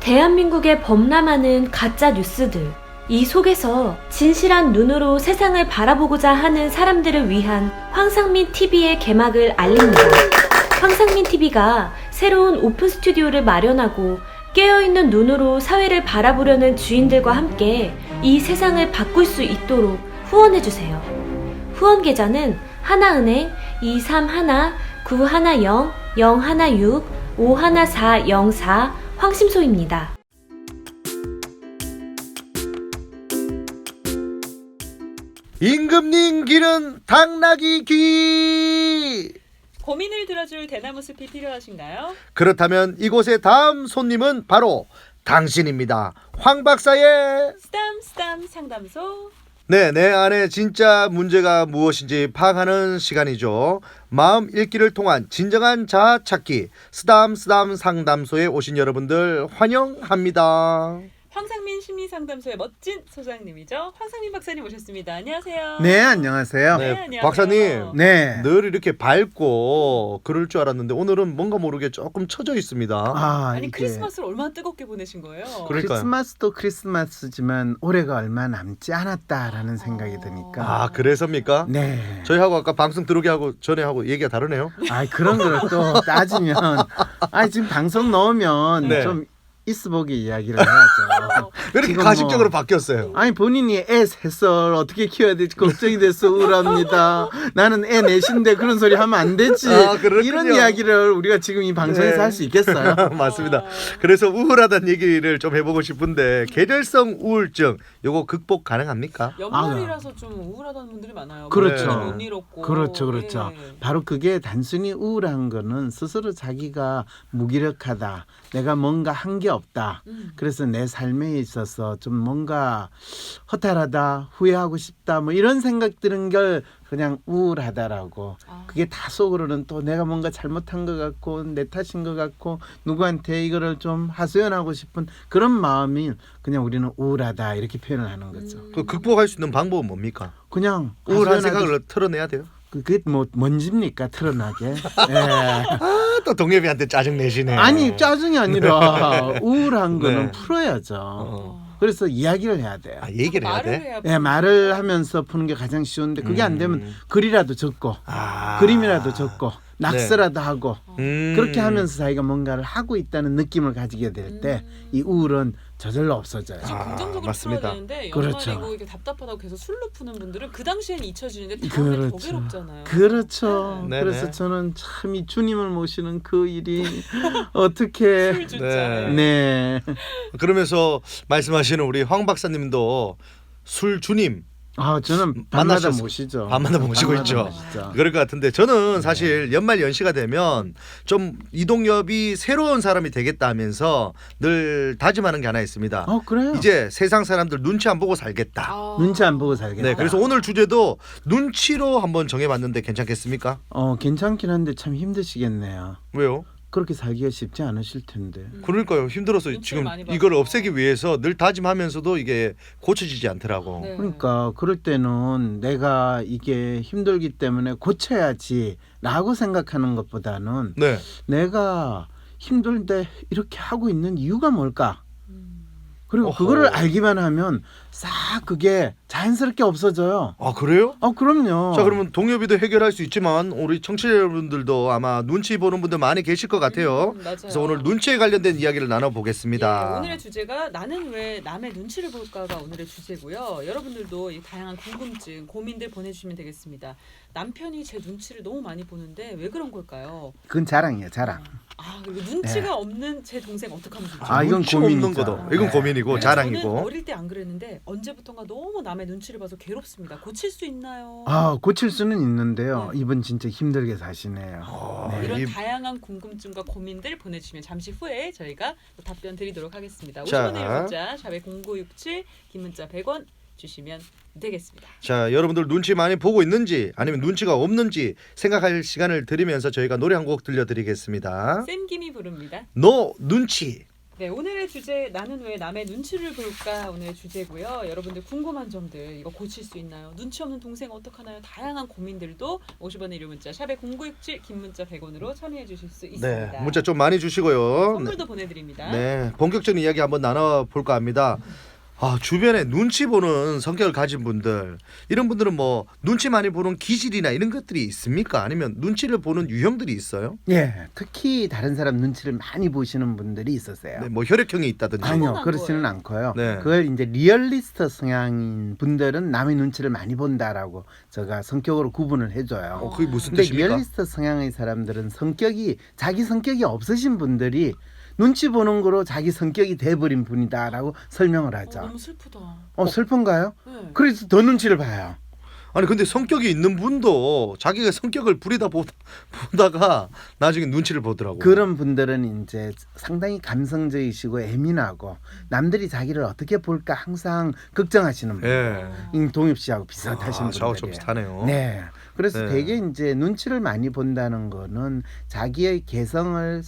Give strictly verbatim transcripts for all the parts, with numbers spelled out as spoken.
대한민국에 범람하는 가짜 뉴스들. 이 속에서 진실한 눈으로 세상을 바라보고자 하는 사람들을 위한 황상민 티비의 개막을 알립니다. 황상민 티비가 새로운 오픈 스튜디오를 마련하고 깨어있는 눈으로 사회를 바라보려는 주인들과 함께 이 세상을 바꿀 수 있도록 후원해주세요. 후원 계좌는 하나은행 이삼일 구일영 영일육 오일사영사 황심소입니다. 임금님 귀는 당나귀 귀. 고민을 들어줄 대나무 숲이 필요하신가요? 그렇다면 이곳의 다음 손님은 바로 당신입니다. 황 박사의 쓰담 쓰담 상담소. 네, 내 안에 진짜 문제가 무엇인지 파악하는 시간이죠. 마음 읽기를 통한 진정한 자아 찾기 쓰담 쓰담 상담소에 오신 여러분들 환영합니다. 황상민 심리상담소의 멋진 소장님이죠. 황상민 박사님 오셨습니다. 안녕하세요. 네, 안녕하세요. 네, 네, 안녕하세요. 박사님. 네. 늘 이렇게 밝고 그럴 줄 알았는데 오늘은 뭔가 모르게 조금 처져 있습니다. 아, 아니 이게 크리스마스를 얼마나 뜨겁게 보내신 거예요? 그래. 그러니까요. 크리스마스도 크리스마스지만 올해가 얼마 남지 않았다라는 생각이 드니까. 아, 그래서입니까? 네. 저희하고 아까 방송 들어오게 하고 전에 하고 얘기가 다르네요. 아, 그런 걸 또 따지면 아, 지금 방송 넣으면 네. 좀 있어보기 이야기를 해야죠. 왜 이렇게 지금 가식적으로 뭐- 바뀌었어요? 아니 본인이 애 셋을 어떻게 키워야 될지 걱정이 돼서 우울합니다. 나는 애 넷인데 그런 소리 하면 안 되지. 아, 그렇군요. 이런 이야기를 우리가 지금 이 방송에서 네. 할 수 있겠어요? 맞습니다. 어. 그래서 우울하다는 얘기를 좀 해보고 싶은데 계절성 우울증 요거 극복 가능합니까? 연말이라서 좀 우울하다는 분들이 많아요. 그렇죠. 몸이 못 잃었고. 그렇죠, 그렇죠. 네. 바로 그게 단순히 우울한 거는 스스로 자기가 무기력하다, 내가 뭔가 한 게 없다. 음. 그래서 내 삶에 있어서 좀 뭔가 허탈하다, 후회하고 싶다, 뭐 이런 생각 드는 걸 그냥 우울하다라고. 아. 그게 다 속으로는 또 내가 뭔가 잘못한 것 같고 내 탓인 것 같고 누구한테 이거를 좀 하소연하고 싶은 그런 마음이 그냥 우리는 우울하다 이렇게 표현을 하는 거죠. 음. 그 극복할 수 있는 방법은 뭡니까? 그냥 우울한 하소연하듯이- 생각을 털어내야 돼요. 그게 뭐 뭔집니까 트러나게? 예. 아, 또 동엽이한테 짜증 내시네. 아니 짜증이 아니라 우울한 거는 네. 풀어야죠. 어. 그래서 이야기를 해야 돼요. 아, 얘기를 해야 말을 돼? 해야 예, 말을 하면서 푸는 게 가장 쉬운데 그게 안 되면 음. 글이라도 적고 아. 그림이라도 적고 낙서라도 하고 음. 그렇게 하면서 자기가 뭔가를 하고 있다는 느낌을 가지게 될 때 이 우울은 저절로 없어져요. 지금 아, 긍정적으로 맞습니다. 풀어야 되는데 그렇죠. 연말이고 이게 답답하다고 계속 술로 푸는 분들은 그 당시엔 잊혀지는데 다음에 더 그렇죠. 괴롭잖아요. 그렇죠. 네. 그래서 네네. 저는 참 이 주님을 모시는 그 일이 어떻게 술 진짜. 네. 네. 그러면서 말씀하시는 우리 황 박사님도 술 주님 아 저는 밤마다 만나셨- 모시죠. 밤마다 모시고 밤마다 있죠. 모시죠. 그럴 것 같은데 저는 사실 연말 연시가 되면 좀 이동엽이 새로운 사람이 되겠다 하면서 늘 다짐하는 게 하나 있습니다. 어 그래요. 이제 세상 사람들 눈치 안 보고 살겠다. 아. 눈치 안 보고 살겠다. 네, 그래서 오늘 주제도 눈치로 한번 정해봤는데 괜찮겠습니까? 어 괜찮긴 한데 참 힘드시겠네요. 왜요? 그렇게 살기가 쉽지 않으실 텐데. 그러니까요. 힘들어서 눈치를 지금 많이 이걸 봐서. 없애기 위해서 늘 다짐하면서도 이게 고쳐지지 않더라고. 네. 그러니까 그럴 때는 내가 이게 힘들기 때문에 고쳐야지라고 생각하는 것보다는 네. 내가 힘들데 이렇게 하고 있는 이유가 뭘까? 음. 그리고 어허. 그거를 알기만 하면 싹 그게 자연스럽게 없어져요. 아, 그래요? 어 그럼요. 자, 그러면 동엽이도 해결할 수 있지만 우리 청취자 여러분들도 아마 눈치 보는 분들 많이 계실 것 같아요. 음, 맞아요. 그래서 오늘 눈치에 관련된 이야기를 나눠보겠습니다. 예, 오늘의 주제가 나는 왜 남의 눈치를 볼까가 오늘의 주제고요. 여러분들도 이 다양한 궁금증, 고민들 보내주시면 되겠습니다. 남편이 제 눈치를 너무 많이 보는데 왜 그런 걸까요? 그건 자랑이에요, 자랑. 아 그리고 눈치가 없는 제 동생 어떡하면 좋죠? 아, 이건 눈치 없는 고민이죠. 거도. 이건 네. 고민이고 네. 저는 자랑이고. 어릴 때 안 그랬는데 언제부턴가 너무 남의 눈치를 봐서 괴롭습니다. 고칠 수 있나요? 아 고칠 수는 있는데요. 네. 이분 진짜 힘들게 사시네요. 어, 네. 이런 이- 다양한 궁금증과 고민들 보내주시면 잠시 후에 저희가 또 답변 드리도록 하겠습니다. 자. 오십 원의 문자 샵에 공구육칠 긴 문자 백 원 주시면 되겠습니다. 자, 여러분들 눈치 많이 보고 있는지 아니면 눈치가 없는지 생각할 시간을 드리면서 저희가 노래 한 곡 들려드리겠습니다. 샘김이 부릅니다. 너 눈치. 네, 오늘의 주제 나는 왜 남의 눈치를 볼까 오늘의 주제고요. 여러분들 궁금한 점들 이거 고칠 수 있나요? 눈치 없는 동생 어떡하나요? 다양한 고민들도 오십 원의 유료 문자 샵에 공구육칠 긴 문자 백 원으로 참여해 주실 수 있습니다. 네, 문자 좀 많이 주시고요. 선물도 보내드립니다. 네, 본격적인 이야기 한번 나눠볼까 합니다. 아, 주변에 눈치 보는 성격을 가진 분들, 이런 분들은 뭐 눈치 많이 보는 기질이나 이런 것들이 있습니까? 아니면 눈치를 보는 유형들이 있어요? 예, 특히 다른 사람 눈치를 많이 보시는 분들이 있었어요. 네, 뭐 혈액형이 있다든지. 아니요, 타고난 그렇지는 거예요. 않고요. 네. 그걸 이제 리얼리스트 성향인 분들은 남의 눈치를 많이 본다라고 제가 성격으로 구분을 해줘요. 어, 그게 무슨 근데 뜻입니까? 리얼리스트 성향의 사람들은 성격이 자기 성격이 없으신 분들이 눈치 보는 거로 자기 성격이 돼버린 분이다라고 설명을 어, 하죠. 너무 슬프다. 어, 슬픈가요? 네. 그래서 더 눈치를 봐요. 아니 근데 성격이 있는 분도 자기가 성격을 부리다 보다, 보다가 나중에 눈치를 보더라고. 그런 분들은 이제 상당히 감성적이시고 예민하고 남들이 자기를 어떻게 볼까 항상 걱정하시는 분. 예. 임동엽 씨하고 비슷하신 아, 저하고 좀 분들이에요. 비슷하네요. 네. 그래서 네. 되게 이제 눈치를 많이 본다는 거는 자기의 개성을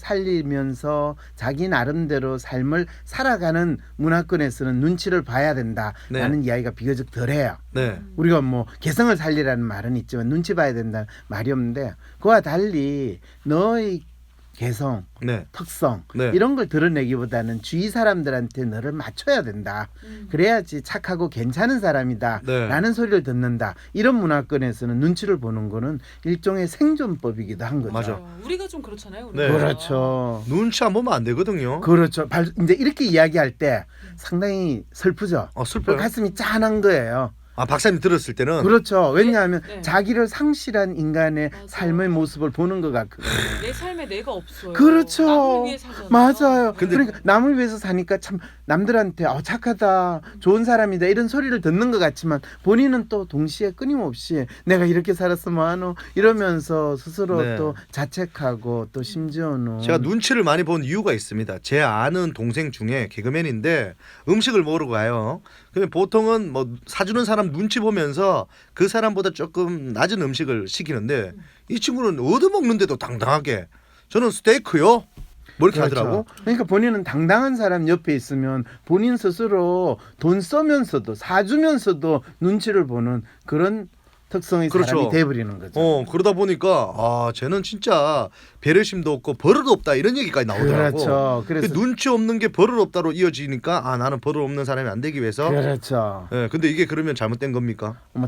살리면서 자기 나름대로 삶을 살아가는 문화권에서는 눈치를 봐야 된다라는 네. 이야기가 비교적 덜해요. 네. 우리가 뭐 개성을 살리라는 말은 있지만 눈치 봐야 된다는 말이 없는데 그와 달리 너의 개성, 네. 특성 네. 이런 걸 드러내기보다는 주위 사람들한테 너를 맞춰야 된다. 음. 그래야지 착하고 괜찮은 사람이다 네. 라는 소리를 듣는다. 이런 문화권에서는 눈치를 보는 거는 일종의 생존법이기도 한 거죠. 맞아. 어, 우리가 좀 그렇잖아요. 네. 우리가. 그렇죠. 눈치 안 보면 안 되거든요. 그렇죠. 발- 이제 이렇게 이야기할 때 상당히 슬프죠. 어, 슬퍼요. 가슴이 짠한 거예요. 아, 박사님 들었을 때는 그렇죠. 왜냐하면 네. 자기를 상실한 인간의 맞아. 삶의 모습을 보는 것 같거든요. 내 삶에 내가 없어요. 그렇죠. 남을 위해 살잖아요. 맞아요. 근데- 그러니까 남을 위해서 사니까 참 남들한테 어, 착하다, 좋은 사람이다 이런 소리를 듣는 것 같지만 본인은 또 동시에 끊임없이 내가 이렇게 살았으면 하노 이러면서 스스로 네. 또 자책하고 또 심지어는 제가 눈치를 많이 본 이유가 있습니다. 제 아는 동생 중에 개그맨인데 음식을 먹으러 가요. 그러면 보통은 뭐 사주는 사람 눈치 보면서 그 사람보다 조금 낮은 음식을 시키는데 이 친구는 얻어먹는데도 당당하게 저는 스테이크요. 뭐 이렇게 그렇죠. 하더라고. 그러니까 본인은 당당한 사람 옆에 있으면 본인 스스로 돈 써면서도 사주면서도 눈치를 보는 그런 특성의 그렇죠. 사람이 돼버리는 거죠. 어 그러다 보니까 아 쟤는 진짜 배려심도 없고 버릇 없다 이런 얘기까지 나오더라고. 그렇죠. 그 그래서 눈치 없는 게 버릇 없다로 이어지니까 아 나는 버릇 없는 사람이 안 되기 위해서. 그렇죠. 예, 근데 이게 그러면 잘못된 겁니까? 뭐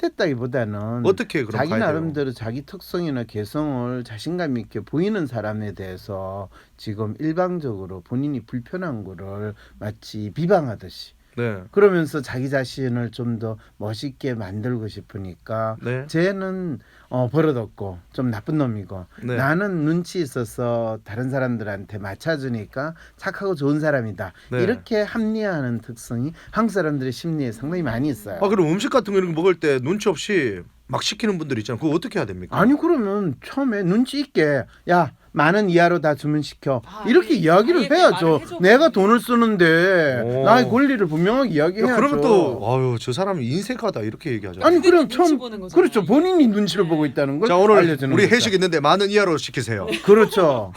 잘못됐다기보다는 어떻게 그럼 자기 가야 돼요? 나름대로 자기 특성이나 개성을 자신감 있게 보이는 사람에 대해서 지금 일방적으로 본인이 불편한 거를 마치 비방하듯이 네, 그러면서 자기 자신을 좀 더 멋있게 만들고 싶으니까 네, 쟤는 어, 버릇없고 좀 나쁜 놈이고 네. 나는 눈치 있어서 다른 사람들한테 맞춰주니까 착하고 좋은 사람이다. 네. 이렇게 합리화하는 특성이 한국 사람들의 심리에 상당히 많이 있어요. 아 그럼 음식 같은 거 이런 거 먹을 때 눈치 없이 막 시키는 분들 있잖아요. 그거 어떻게 해야 됩니까? 아니 그러면 처음에 눈치 있게 야 만원 이하로 다 주문시켜 아, 이렇게 아예 이야기를 그 해야죠. 말을 해줘. 내가 돈을 쓰는데 오. 나의 권리를 분명하게 야, 이야기해야죠. 그러면 또 아유 저 사람이 인색하다 이렇게 얘기하잖아요. 아니 그게 그럼 눈치 처음 보는 거잖아요. 그렇죠. 본인이 눈치를 네. 보고 있다는 걸 자 오늘 알려주는 우리 거죠. 회식 있는데 만 원 이하로 시키세요. 그렇죠.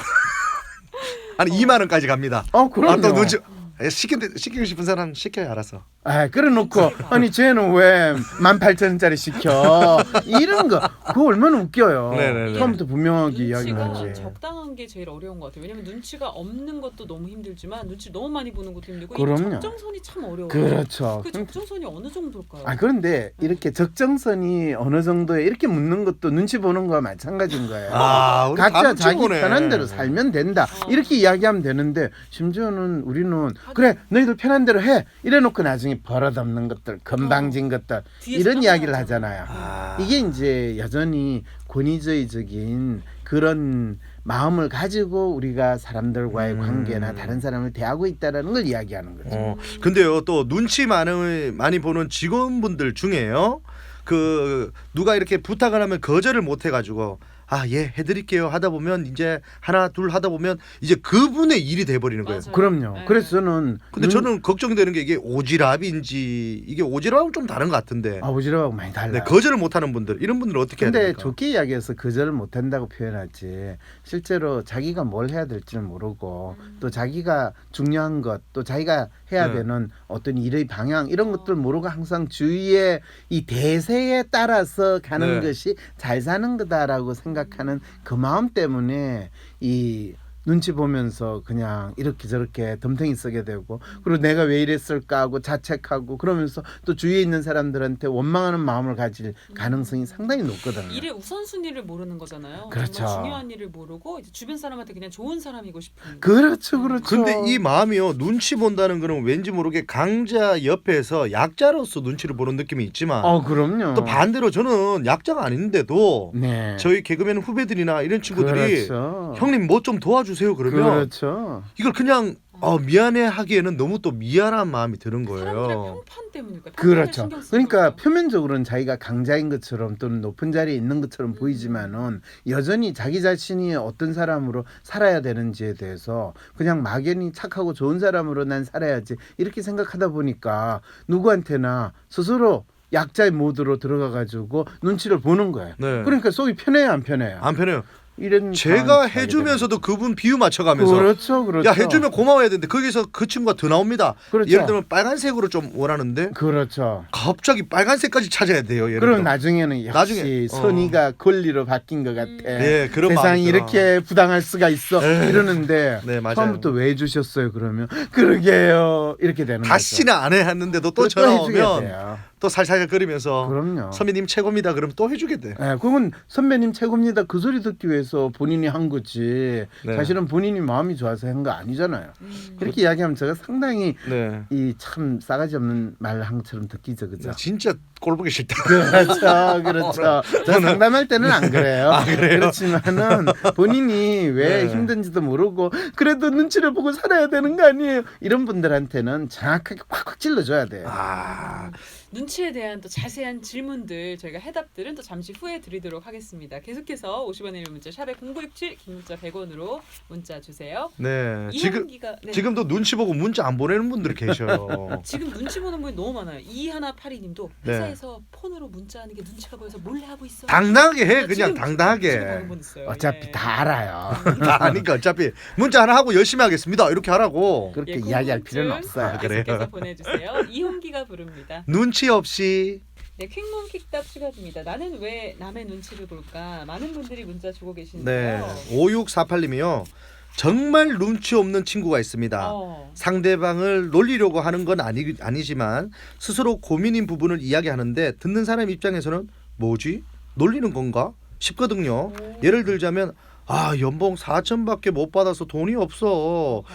아니 이만 원까지 갑니다. 어 그럼요. 아 또 눈치 에, 시키, 시키고 싶은 사람 시켜요. 알아서. 아, 그래놓고 눈치가. 아니 쟤는 왜 만 팔천 원짜리 시켜 이런 거 그거 얼마나 웃겨요. 네네네. 처음부터 분명하게 눈치가 이야기하지. 적당한 게 제일 어려운 것 같아요. 왜냐면 눈치가 없는 것도 너무 힘들지만 눈치 너무 많이 보는 것도 힘들고 이 그럼요. 적정선이 참 어려워요. 그렇죠. 그 적정선이 어느 정도일까요? 아 그런데 이렇게 적정선이 어느 정도에 이렇게 묻는 것도 눈치 보는 거와 마찬가지인 거예요. 아 우리 다 각자 눈치 자기 보네. 편한 대로 살면 된다. 어. 이렇게 이야기하면 되는데 심지어는 우리는 그래 너희들 편한 대로 해 이래놓고 나중에 버릇없는 것들 건방진 것들 뒤에서 이런 깜짝 이야기를 놀라잖아요. 하잖아요. 아. 이게 이제 여전히 권위주의적인 그런 마음을 가지고 우리가 사람들과의 음. 관계나 다른 사람을 대하고 있다라는 걸 이야기하는 거죠. 어, 근데요 또 눈치 많이 많이 보는 직원분들 중에요 그 누가 이렇게 부탁을 하면 거절을 못 해가지고 아, 예, 해드릴게요 하다 보면 이제 하나 둘 하다 보면 이제 그분의 일이 돼버리는 거예요. 맞아요. 그럼요. 네. 그래서 저는 근데 눈- 저는 걱정되는 게 이게 오지랖인지 이게 오지랖은 좀 다른 것 같은데 아, 오지랖하고 많이 달라요. 네, 거절을 못하는 분들 이런 분들은 어떻게 해야 근데 됩니까? 좋게 이야기해서 거절을 못한다고 표현하지 실제로 자기가 뭘 해야 될지는 모르고 음. 또 자기가 중요한 것 또 자기가 해야 네. 되는 어떤 일의 방향 이런 어. 것들 모르고 항상 주위의 이 대세에 따라서 가는 네. 것이 잘 사는 거다라고 생각하는 그 마음 때문에 이 눈치 보면서 그냥 이렇게 저렇게 덤탱이 쓰게 되고 그리고 내가 왜 이랬을까 하고 자책하고 그러면서 또 주위에 있는 사람들한테 원망하는 마음을 가질 가능성이 상당히 높거든요. 일의 우선순위를 모르는 거잖아요. 그렇죠. 정말 중요한 일을 모르고 이제 주변 사람한테 그냥 좋은 사람이고 싶은. 그렇죠, 그렇죠. 근데 이 마음이요 눈치 본다는 거는 왠지 모르게 강자 옆에서 약자로서 눈치를 보는 느낌이 있지만 어, 그럼요. 또 반대로 저는 약자가 아닌데도 네. 저희 개그맨 후배들이나 이런 친구들이 그렇죠. 형님 뭐 좀 도와주세요 그러면 그렇죠. 이걸 그냥 어, 미안해 하기에는 너무 또 미안한 마음이 드는 사람들의 거예요. 평판 때문일까? 그렇죠. 그러니까 표면적으로는 자기가 강자인 것처럼 또는 높은 자리에 있는 것처럼 음. 보이지만은 여전히 자기 자신이 어떤 사람으로 살아야 되는지에 대해서 그냥 막연히 착하고 좋은 사람으로 난 살아야지 이렇게 생각하다 보니까 누구한테나 스스로 약자의 모드로 들어가 가지고 눈치를 보는 거예요. 네. 그러니까 속이 편해요, 안 편해요? 안 편해요. 이런 제가 상황이 가게 해주면서도 되는 그분 비유 맞춰가면서 그렇죠, 그렇죠. 야 해주면 고마워야 되는데 거기서 그 친구가 더 나옵니다. 그렇죠. 예를 들면 빨간색으로 좀 원하는데 그렇죠. 갑자기 빨간색까지 찾아야 돼요. 예를 그럼 들어. 나중에는 역시 나중에, 어. 선의가 권리로 바뀐 것 같아. 예, 그런 세상이 마음이 들어. 이렇게 부당할 수가 있어 에이. 이러는데 네, 맞아요. 처음부터 왜 해주셨어요? 그러면 그러게요 이렇게 되는 다시는 안 해 했는데도 또 거죠. 전화 또 해주게 오면 돼요. 또 살살거리면서 그럼요. 선배님 최고입니다. 그럼 또 해주게 돼. 예, 그건 선배님 최고입니다. 그 소리 듣기 위해서 본인이 한 거지. 네. 사실은 본인이 마음이 좋아서 한 거 아니잖아요. 음. 그렇게 이야기하면 제가 상당히 네. 이 참 싸가지 없는 말항처럼 듣기죠, 그죠? 진짜 꼴 보기 싫다. 그렇죠, 그렇죠. 저 상담할 때는 안 그래요. 아, 그래요? 그렇지만은 본인이 왜 네. 힘든지도 모르고 그래도 눈치를 보고 살아야 되는 거 아니에요? 이런 분들한테는 정확하게 콱콱 찔러줘야 돼요. 아, 눈치에 대한 또 자세한 질문들 저희가 해답들은 또 잠시 후에 드리도록 하겠습니다. 계속해서 오십 원의 문자 샵에 공구육칠 긴 문자 백 원으로 문자 주세요. 네. 지금 이한기가 네. 지금도 눈치 보고 문자 안 보내는 분들이 계셔요. 지금 눈치 보는 분이 너무 많아요. 이하나팔이님도 네. 회사에서 폰으로 문자하는 게 눈치가 보여서 몰래 하고 있어. 당당하게 해, 지금 그냥 눈치 당당하게. 보는 분 있어요. 어차피 예. 다 알아요. 다 아니까 어차피 문자 하나 하고 열심히 하겠습니다. 이렇게 하라고. 그렇게 예, 이야기할 궁금증 필요는 없어요. 아, 그래요? 계속해서 보내주세요. 이홍기가 부릅니다. 눈치 없이 네, 퀵몬 킥답 추가됩니다. 나는 왜 남의 눈치를 볼까? 많은 분들이 문자 주고 네. 계시는데요. 오육사팔님이요. 정말 눈치 없는 친구가 있습니다. 어. 상대방을 놀리려고 하는 건 아니, 아니지만 스스로 고민인 부분을 이야기하는데 듣는 사람 입장에서는 뭐지? 놀리는 건가? 싶거든요. 오. 예를 들자면 아 연봉 사천밖에 못 받아서 돈이 없어. 어.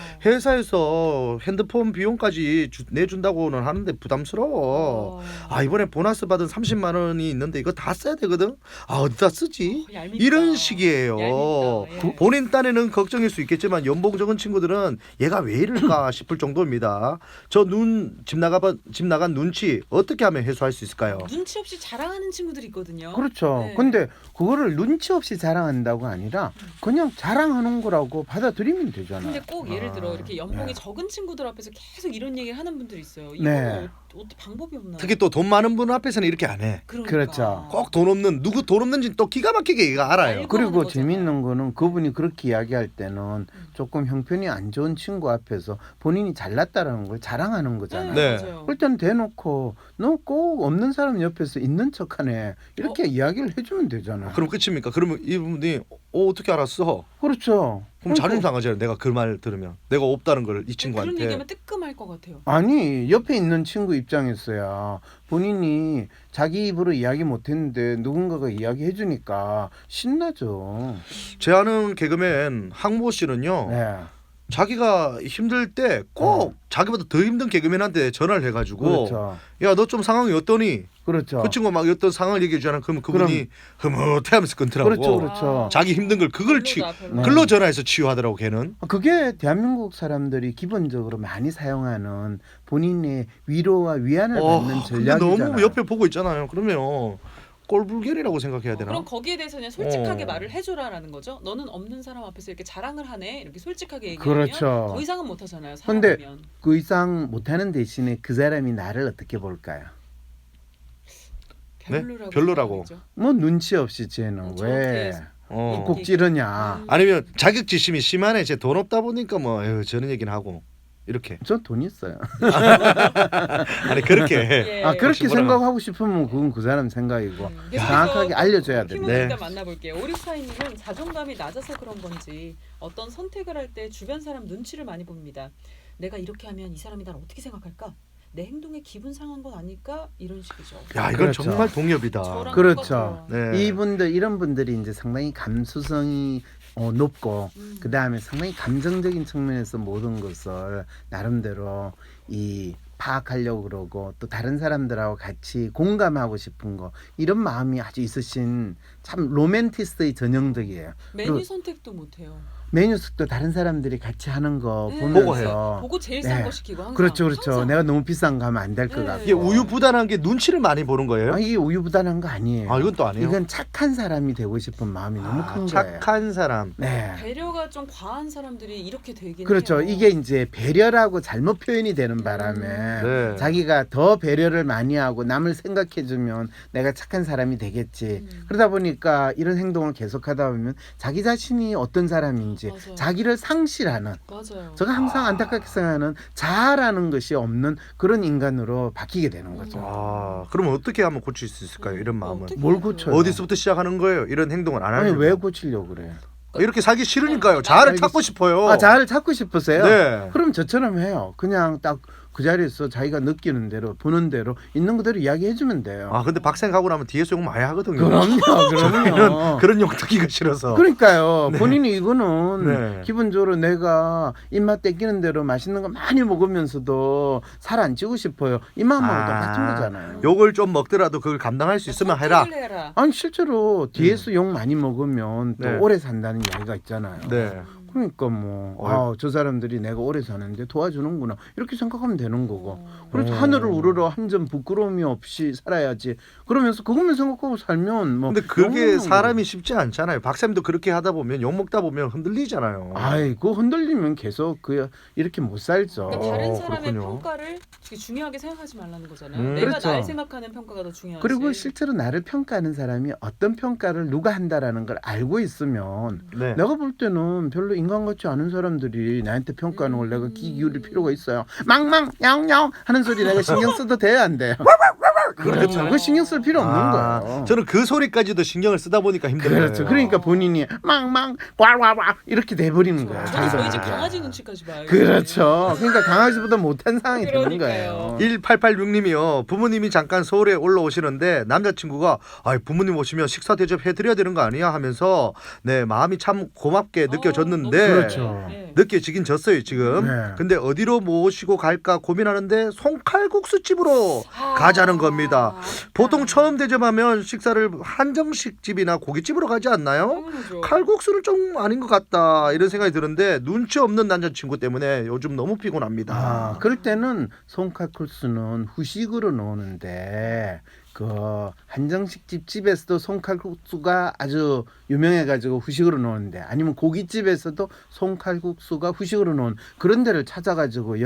회사에서 핸드폰 비용까지 주, 내준다고는 하는데 부담스러워. 어. 아 이번에 보너스 받은 삼십만 원이 있는데 이거 다 써야 되거든. 아 어디다 쓰지? 어, 얄밉다. 이런 식이에요. 얄밉다. 예. 본인 딴에는 걱정일 수 있겠지만 연봉 적은 친구들은 얘가 왜 이럴까 싶을 정도입니다. 저 눈 집 나가 집 나간 눈치 어떻게 하면 해소할 수 있을까요? 눈치 없이 자랑하는 친구들이 있거든요. 그렇죠. 네. 근데 그거를 눈치 없이 자랑한다고 아니라 그냥 자랑하는 거라고 받아들이면 되잖아요. 근데 꼭 예를 들어 아, 이렇게 연봉이 네. 적은 친구들 앞에서 계속 이런 얘기를 하는 분들이 있어요. 이거 네. 어, 어떻게 방법이 없나? 특히 또 돈 많은 분 앞에서는 이렇게 안 해. 그러니까. 그렇죠. 꼭 돈 없는 누구 돈 없는지 또 기가 막히게 얘가 알아요. 알고 그리고 하는 거잖아요. 재미있는 거는 그분이 그렇게 이야기할 때는 조금 형편이 안 좋은 친구 앞에서 본인이 잘났다라는 걸 자랑하는 거잖아요. 네. 맞아요. 그럴 때는 대놓고 너 꼭 없는 사람 옆에서 있는 척하네 이렇게 이야기를 해주면 되잖아요. 그럼 끝입니까? 그러면 이분이 어 어떻게 알았어? 그렇죠. 그럼 자존심 상하잖아요. 내가 그 말 들으면 내가 없다는 걸 이 그런 친구한테. 얘기하면 뜨끔할 것 같아요. 아니 옆에 있는 친구 입장에서야 본인이 자기 입으로 이야기 못했는데 누군가가 이야기해 주니까 신나죠. 제 아는 개그맨 항모 씨는요. 네. 자기가 힘들 때 꼭 자기보다 더 힘든 개그맨한테 전화를 해가지고 그렇죠. 야 너 좀 상황이 어떠니? 그렇죠. 그 친구가 막 어떤 상황을 얘기해 주잖아. 그러면 그분이 흐뭇해하면서 끊더라고. 그렇죠, 그렇죠. 자기 힘든 걸 그걸 치 별로다, 별로. 네. 글로 전화해서 치유하더라고 걔는. 그게 대한민국 사람들이 기본적으로 많이 사용하는 본인의 위로와 위안을 어, 받는 근데 전략이잖아요. 너무 옆에 보고 있잖아요. 그러면 꼴불견이라고 생각해야 어, 되나? 그럼 거기에 대해서 그냥 솔직하게 어. 말을 해줘라라는 거죠. 너는 없는 사람 앞에서 이렇게 자랑을 하네 이렇게 솔직하게 얘기하면 그렇죠. 더 이상은 못 하잖아요. 근데 사람이면. 그 이상 못하는 대신에 그 사람이 나를 어떻게 볼까요? 별로라고. 별로라고. 생각하죠. 뭐 눈치 없이 쟤는 음, 왜 저한테 어. 꼭 찌르냐. 음. 아니면 자격지심이 심하네. 제 돈 없다 보니까 뭐 에휴, 저런 얘기는 하고 이렇게. 저 돈 있어요. 아니 그렇게. 예. 아 그렇게 뭐라고. 생각하고 싶으면 그건 그 사람 생각이고 음, 정확하게 알려줘야 힘을 된다. 일단 만나볼게요. 오리스타이님은 자존감이 낮아서 그런 건지 어떤 선택을 할 때 주변 사람 눈치를 많이 봅니다. 내가 이렇게 하면 이 사람이 날 어떻게 생각할까? 내 행동에 기분 상한 건 아닐까? 이런 식이죠. 야 이건 그렇죠. 정말 동엽이다. 저랑 그렇죠. 똑같아요. 네. 이분들 이런 분들이 이제 상당히 감수성이 어, 높고 음. 그 다음에 상당히 감정적인 측면에서 모든 것을 나름대로 이 파악하려고 그러고 또 다른 사람들하고 같이 공감하고 싶은 거 이런 마음이 아주 있으신 참 로맨티스트의 전형적이에요. 메뉴 그리고- 선택도 못해요. 메뉴숙도 다른 사람들이 같이 하는 거 네. 보고 보면서 보고 제일 싼 네. 거 시키고 항상. 그렇죠, 그렇죠. 항상. 내가 너무 비싼 거 하면 안 될 것 네. 같고. 이게 우유부단한 게 눈치를 많이 보는 거예요? 아, 이게 우유부단한 거 아니에요. 아 이건 또 아니에요. 이건 착한 사람이 되고 싶은 마음이 너무 아, 큰 거예요. 착한 사람. 네. 배려가 좀 과한 사람들이 이렇게 되긴 그렇죠. 해요. 이게 이제 배려라고 잘못 표현이 되는 바람에 네. 자기가 더 배려를 많이 하고 남을 생각해주면 내가 착한 사람이 되겠지. 음. 그러다 보니까 이런 행동을 계속하다 보면 자기 자신이 어떤 사람인지 맞아요. 자기를 상실하는. 맞아요. 제가 항상 안타깝게 생각하는 자아라는 것이 없는 그런 인간으로 바뀌게 되는 거죠. 아 그러면 어떻게 하면 고칠 수 있을까요? 이런 어, 마음은. 어떻게 뭘 해야 돼요? 고쳐요? 어디서부터 시작하는 거예요? 이런 행동을 안 아니 하려면. 왜 고치려고 그래요? 이렇게 살기 싫으니까요. 자아를 알겠- 찾고 싶어요. 아 자아를 찾고 싶으세요? 네. 그럼 저처럼 해요. 그냥 딱 그 자리에서 자기가 느끼는 대로 보는 대로 있는 그대로 이야기해주면 돼요. 아 근데 박생 가고 나면 뒤에서 욕 많이 하거든요. 그럼요, 저는 그럼요. 그런 욕 듣기가 싫어서. 그러니까요. 본인이 이거는 네. 기본적으로 내가 입맛 땡기는 대로 맛있는 거 많이 먹으면서도 살 안 찌고 싶어요. 이 마음하고 아, 똑같은 거잖아요. 욕을 좀 먹더라도 그걸 감당할 수 있으면 해라. 선택을 해라. 아니 실제로 뒤에서 욕 많이 먹으면 또 네. 오래 산다는 이야기가 있잖아요. 네. 그러니까 뭐, 어이. 아, 저 사람들이 내가 오래 사는데 도와주는구나 이렇게 생각하면 되는 거고. 어. 그래서 어. 하늘을 우러러 한 점 부끄러움이 없이 살아야지. 그러면서 그것만 생각하고 살면 뭐. 근데 그게 욕먹는 사람이 쉽지 않잖아요. 박쌤도 그렇게 하다 보면 욕 먹다 보면 흔들리잖아요. 아이, 그 흔들리면 계속 그 이렇게 못 살죠. 그러니까 다른 어, 사람의 그렇군요. 평가를 되게 중요하게 생각하지 말라는 거잖아요. 음. 내가 그렇죠. 날 생각하는 평가가 더 중요하지. 그리고 실제로 나를 평가하는 사람이 어떤 평가를 누가 한다라는 걸 알고 있으면 네. 내가 볼 때는 별로 인간 같지 않은 사람들이 나한테 평가하는 걸 내가 귀 기울일 음. 필요가 있어요. 망망 냥냥 하는 소리 내가 신경 써도 돼요, 안 돼요? 그렇죠. 그거 신경 쓸 필요 없는 아, 거예요. 저는 그 소리까지도 신경을 쓰다 보니까 힘든 그렇죠. 거예요. 그러니까 본인이 망망 와와와 이렇게 돼버리는 거예요. 저는 자기도 저희 집 모르게. 강아지 눈치까지 봐요. 그렇죠. 그러니까 강아지보다 못한 상황이 되는 그러니까요. 거예요. 일팔팔육 님이요. 부모님이 잠깐 서울에 올라오시는데 남자친구가 아 부모님 오시면 식사 대접 해드려야 되는 거 아니야 하면서 네 마음이 참 고맙게 느껴졌는데 어, 너무 그렇죠. 좋아요. 네. 느껴지긴 졌어요 지금. 네. 근데 어디로 모시고 갈까 고민하는데 송칼국수 집으로 가자는 겁니다. 보통 처음 대접하면 식사를 한정식 집이나 고깃집으로 가지 않나요? 당연하죠. 칼국수는 좀 아닌 것 같다 이런 생각이 드는데 눈치 없는 남자친구 때문에 요즘 너무 피곤합니다. 아, 그럴 때는 손칼국수는 후식으로 넣는데 그 한정식집 집에서도 손칼국수가 아주 유명해가지고 후식으로 넣는데 아니면 고깃집에서도 손칼국수가 후식으로 넣은 그런 데를 찾아가지고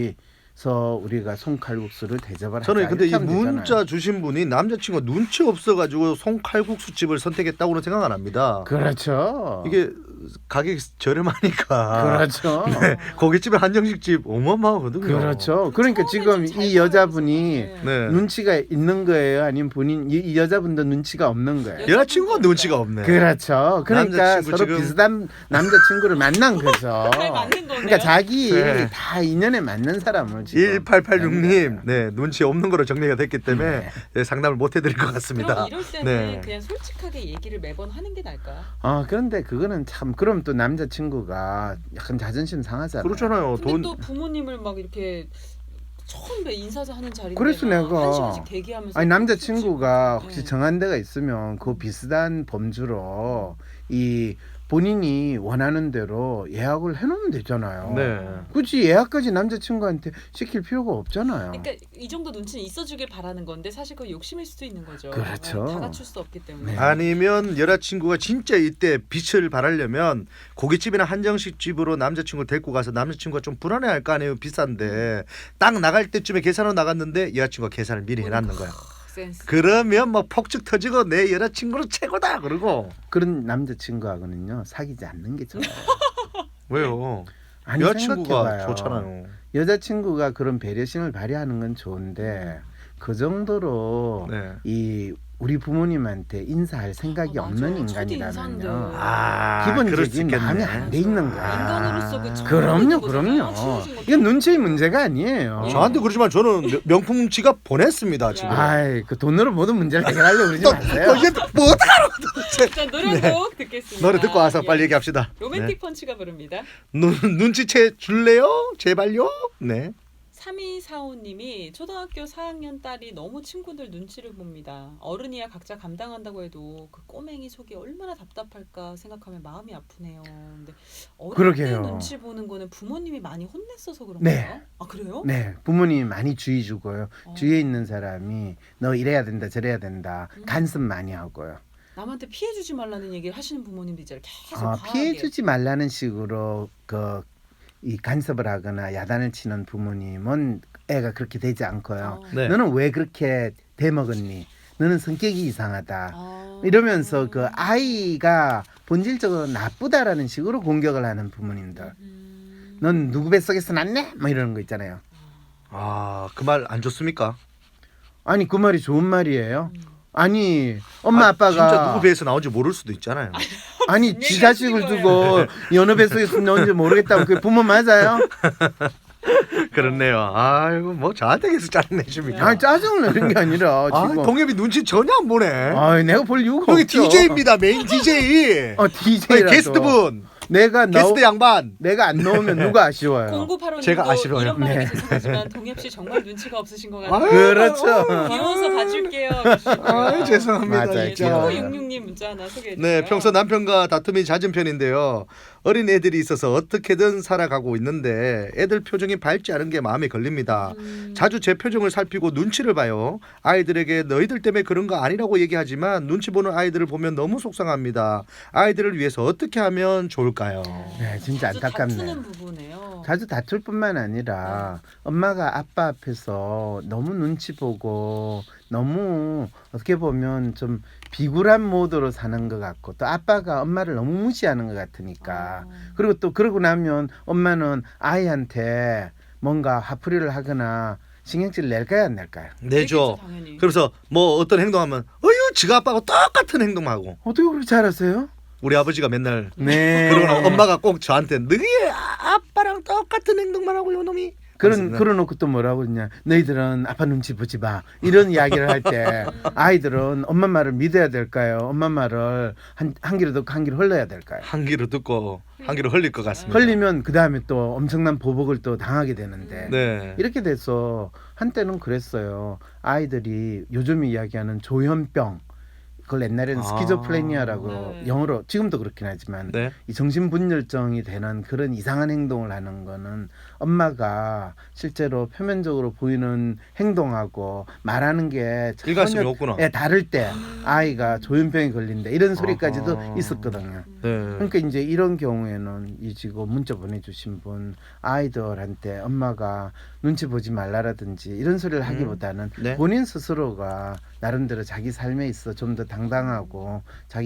여기서 우리가 손칼국수를 대접을 저는 하자. 근데 이 이렇게 하면 문자 되잖아요. 주신 분이 남자친구가 눈치 없어가지고 송칼국수 집을 선택했다고는 생각 안 합니다. 그렇죠. 이게 가격이 저렴하니까. 그렇죠. 네, 고깃집에 한정식 집 어마어마하거든요. 그렇죠. 그러니까 지금 처음에 좀 이 잘 여자분이 살아서. 네. 눈치가 있는 거예요, 아니면 본인 이, 이 여자분도 눈치가 없는 거예요. 여자친구가 눈치가 없네. 그렇죠. 그러니까 남자친구 서로 지금- 비슷한 남자친구를 만난 거죠. 잘 맞는 거네요. 그러니까 자기 네. 다 인연에 맞는 사람을 지금 일팔팔육 님, 만난 거예요. 네 눈치 없는 거로 정리가 됐기 때문에 네. 네, 상담을 못 해드릴 것 같습니다. 그럼 이럴 때는 네. 그냥 솔직하게 얘기를 매번 하는 게 나을까요? 아 그런데 그거는 참 그럼 또 남자친구가 약간 자존심 상하잖아요. 그렇잖아요. 근데 돈 또 부모님을 막 이렇게 처음 뵈 인사하는 자리인데 그래서 막 내가- 한 시간씩 대기하면서 아니 남자친구가 솔직히- 혹시 네. 정한 데가 있으면 그 비슷한 범주로 이 본인이 원하는 대로 예약을 해놓으면 되잖아요. 네. 굳이 예약까지 남자친구한테 시킬 필요가 없잖아요. 그러니까 이 정도 눈치는 있어주길 바라는 건데 사실 그 욕심일 수도 있는 거죠. 그렇죠. 다 갖출 수 없기 때문에. 네. 아니면 여자친구가 진짜 이때 빛을 발하려면 고깃집이나 한정식 집으로 남자친구 데리고 가서 남자친구가 좀 불안해할 거 아니에요. 비싼데 딱 나갈 때쯤에 계산하러 나갔는데 여자친구가 계산을 미리 해놨는 거야. 센스. 그러면 뭐 폭죽 터지고 내 여자친구는 최고다 그러고. 그런 남자친구하고는요 사귀지 않는 게 좋아요. 왜요? 아니, 여자친구가 생각해봐요. 좋잖아요. 여자친구가 그런 배려심을 발휘하는 건 좋은데 그 정도로 네. 이 우리 부모님한테 인사할 생각이 어, 맞아. 없는 초대 인간이라면요. 인사인데. 아, 그럴 수 기본적인 있겠네. 마음이 안 돼 있는 거야. 인간으로서 그 정도는 그럼요, 거잖아요. 그럼요. 친해진 것도 이건 눈치의 문제가 아니에요. 저한테 그러지만 저는 명- 명품 지갑 보냈습니다 지금. 아이, 그 돈으로 모든 문제를 해결하려고 그러지 또, 마세요. 또 이게 뭐 어떡하라고 도대체. 일단 노래 한 곡 듣겠습니다. 노래 듣고 와서 예. 빨리 얘기합시다. 로맨틱 네. 펀치가 부릅니다. 눈, 눈치채 줄래요? 제발요? 네. 삼이사오님이 초등학교 사 학년 딸이 너무 친구들 눈치를 봅니다. 어른이야 각자 감당한다고 해도 그 꼬맹이 속이 얼마나 답답할까 생각하면 마음이 아프네요. 근데 어릴 때 그러게요. 눈치 보는 거는 부모님이 많이 혼냈어서 그런가요? 네. 아 그래요? 네, 부모님이 많이 주의 주고요. 어. 주위에 있는 사람이 너 이래야 된다, 저래야 된다. 음. 간섭 많이 하고요. 남한테 피해 주지 말라는 얘기를 하시는 부모님도 있잖아요. 계속 어, 과하게. 피해 주지 말라는 식으로 그 이 간섭을 하거나 야단을 치는 부모님은 애가 그렇게 되지 않고요. 어. 네. 너는 왜 그렇게 대먹었니? 너는 성격이 이상하다. 아. 이러면서 그 아이가 본질적으로 나쁘다라는 식으로 공격을 하는 부모님들. 음. 넌 누구 뱃속에서 났네? 뭐 이러는 거 있잖아요. 아, 그 말 안 좋습니까? 아니 그 말이 좋은 말이에요. 음. 아니 엄마 아, 아빠가 진짜 누구 배에서 나온지 모를 수도 있잖아요. 아니 무슨 지 얘기 자식을 하시는 두고 여느 뱃속에서 나온지 모르겠다고 그게 부모 맞아요? 그렇네요. 아이고 뭐 저한테 계속 짜증내십니까? 아니 짜증을 내는 게 아니라 아, 지금 동엽이 눈치 전혀 안 보네. 아이, 내가 볼 이유가 여기 없죠. 디제이입니다. 메인 디제이. 어 디제이라서 게스트분. 내가 나 게스트 양반. 내가 안 넣으면 누가 아쉬워요? 공구팔오님도 제가 아쉬워요. 이런 말하기 네. 죄송하지만 동엽 씨 정말 눈치가 없으신 것 같아요. 아유, 그렇죠. 귀여워서 봐줄게요. 그러시고요. 아, 죄송합니다. 맞아요. 예, 진짜. 천구백육십육 문자 하나 소개해 주세요. 네, 평소 남편과 다툼이 잦은 편인데요. 어린 애들이 있어서 어떻게든 살아가고 있는데 애들 표정이 밝지 않은 게 마음에 걸립니다. 음. 자주 제 표정을 살피고 눈치를 봐요. 아이들에게 너희들 때문에 그런 거 아니라고 얘기하지만 눈치 보는 아이들을 보면 너무 속상합니다. 아이들을 위해서 어떻게 하면 좋을까요? 네, 진짜 자주 안타깝네요. 다투는 부분이에요. 자주 다툴 뿐만 아니라 엄마가 아빠 앞에서 너무 눈치 보고 너무 어떻게 보면 좀 비굴한 모드로 사는 것 같고 또 아빠가 엄마를 너무 무시하는 것 같으니까 어. 그리고 또 그러고 나면 엄마는 아이한테 뭔가 화풀이를 하거나 신경질 낼까요 안 낼까요? 내죠. 그렇겠죠, 당연히. 그래서 뭐 어떤 행동하면 어휴 지가 아빠하고 똑같은 행동하고 어떻게 그렇게 잘하세요? 우리 아버지가 맨날 네. 그러고 나면 엄마가 꼭 저한테 너희 아빠랑 똑같은 행동만 하고 요 놈이 그런 그래서 그러놓고 또 뭐라고 그러냐 너희들은 아빠 눈치 보지 마 이런 이야기를 할 때 아이들은 엄마 말을 믿어야 될까요? 엄마 말을 한, 한 귀로 듣고 한 귀로 흘러야 될까요? 한 귀로 듣고 한 귀로 흘릴 것 같습니다. 흘리면 그 다음에 또 엄청난 보복을 또 당하게 되는데 네. 이렇게 돼서 한때는 그랬어요. 아이들이 요즘 이야기하는 조현병 그걸 옛날에는 아. 스키조플레니아라고 네. 영어로 지금도 그렇긴 하지만 네. 이 정신분열증이 되는 그런 이상한 행동을 하는 거는 엄마가 실제로 표면적으로 보이는 행동하고 말하는 게 일관성이 전혀 없구나. 예, 다를 때 아이가 조현병이 걸린다 이런 소리까지도 아하. 있었거든요. 네. 그러니까 이제 이런 경우에는 이 지금 문자 보내주신 분 아이들한테 엄마가 눈치 보지 말라라든지 이런 소리를 하기보다는 네. 본인 스스로가 나름대로 자기 삶에 있어 좀 더 당당하고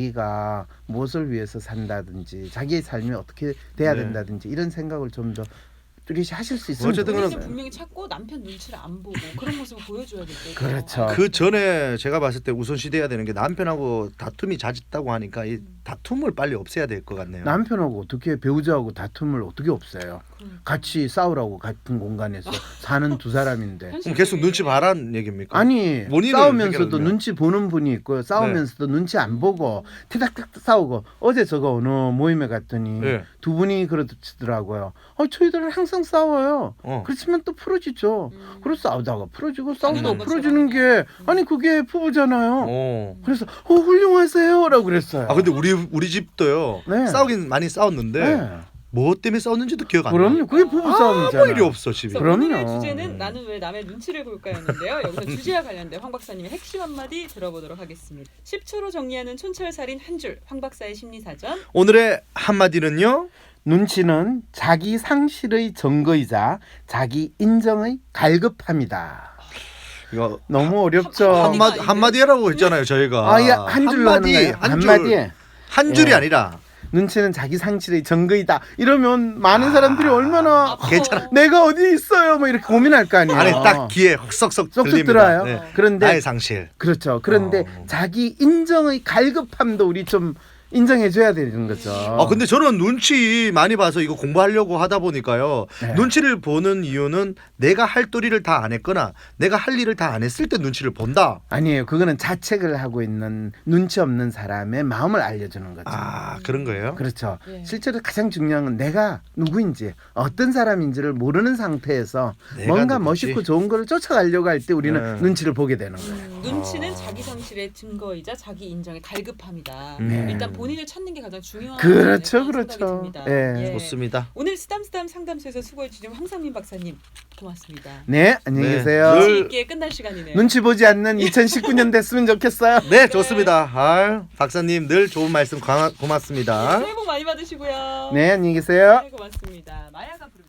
자기가 무엇을 위해서 산다든지 자기의 삶이 어떻게 돼야 네. 된다든지 이런 생각을 좀 더 뚜렷이 하실 수 있으면 어쨌든 본인은 좋겠어요. 분명히 찾고 남편 눈치를 안 보고 그런 모습을 보여줘야 될 때죠. 그렇죠. 그 전에 제가 봤을 때 우선시돼야 되는 게 남편하고 다툼이 잦았다고 하니까 이 다툼을 빨리 없애야 될 것 같네요. 남편하고 어떻게 배우자하고 다툼을 어떻게 없애요? 같이 싸우라고 같은 공간에서 사는 두 사람인데. 그럼 계속 눈치 봐란 얘기입니까? 아니 본인을 싸우면서도 해결하면. 눈치 보는 분이 있고요. 싸우면서도 눈치 안 보고 티닥닥 싸우고 어제 저거 어느 모임에 갔더니 네. 두 분이 그러시더라고요. 어, 저희들은 항상 싸워요. 어. 그렇지만 또 풀어지죠. 음. 그래서 싸우다가 풀어지고 당연한 싸우다가 것처럼 풀어지는 게 그냥. 아니 그게 부부잖아요. 어. 그래서 어 훌륭하세요라고 그랬어요. 아 근데 우리 우리 집도요. 네. 싸우긴 많이 싸웠는데 네. 뭐 때문에 싸웠는지도 기억 안 나. 그럼요. 그게 부부 아무 싸움이잖아요. 일이 없어 집에. 그래서 그럼요. 오늘의 주제는 나는 왜 남의 눈치를 볼까였는데요. 여기서 주제와 관련된 황 박사님의 핵심 한마디 들어보도록 하겠습니다. 십 초로 정리하는 촌철살인 한 줄, 황 박사의 심리사전. 오늘의 한마디는요. 눈치는 자기 상실의 증거이자 자기 인정의 갈급함이다. 이거 너무 어렵죠. 한- 한마디 한마디라고 했잖아요 저희가. 아예 한 줄로 하는 거예요. 한 줄. 한마디에 한 줄이 예. 아니라. 눈치는 자기 상실의 증거이다. 이러면 많은 아, 사람들이 얼마나 괜찮아. 내가 어디 있어요? 뭐 이렇게 고민할 거 아니에요. 안에 딱 귀에 쏙쏙 쏙쏙 들립니다. 들어요. 네. 그런데 나의 상실. 그렇죠. 그런데 어. 자기 인정의 갈급함도 우리 좀 인정해줘야 되는 거죠. 아 근데 저는 눈치 많이 봐서 이거 공부하려고 하다 보니까요. 네. 눈치를 보는 이유는 내가 할 도리를 다 안 했거나 내가 할 일을 다 안 했을 때 눈치를 본다. 아니에요. 그거는 자책을 하고 있는 눈치 없는 사람의 마음을 알려주는 거죠. 아 그런 거예요? 그렇죠. 예. 실제로 가장 중요한 건 내가 누구인지 어떤 사람인지를 모르는 상태에서 내가 뭔가 누구지? 멋있고 좋은 거를 쫓아가려고 할 때 우리는 네. 눈치를 보게 되는 거예요. 음, 눈치는 자기 상실의 증거이자 자기 인정의 갈급함이다. 음. 일단 본인을 찾는 게 가장 중요한 그렇죠, 그런 그렇죠. 생각이 듭니다. 예. 좋습니다. 오늘 쓰담쓰담 상담소에서 수고해 주신 황상민 박사님 고맙습니다. 네, 안녕히 네. 계세요. 늘- 눈치 있게 끝날 시간이네요. 눈치 보지 않는 이천십구 년 됐으면 좋겠어요. 네 좋습니다. 아, 박사님 늘 좋은 말씀 고- 고맙습니다. 새해 복 많이 받으시고요. 네, 안녕히 계세요. 네, 고맙습니다. 마야가 부르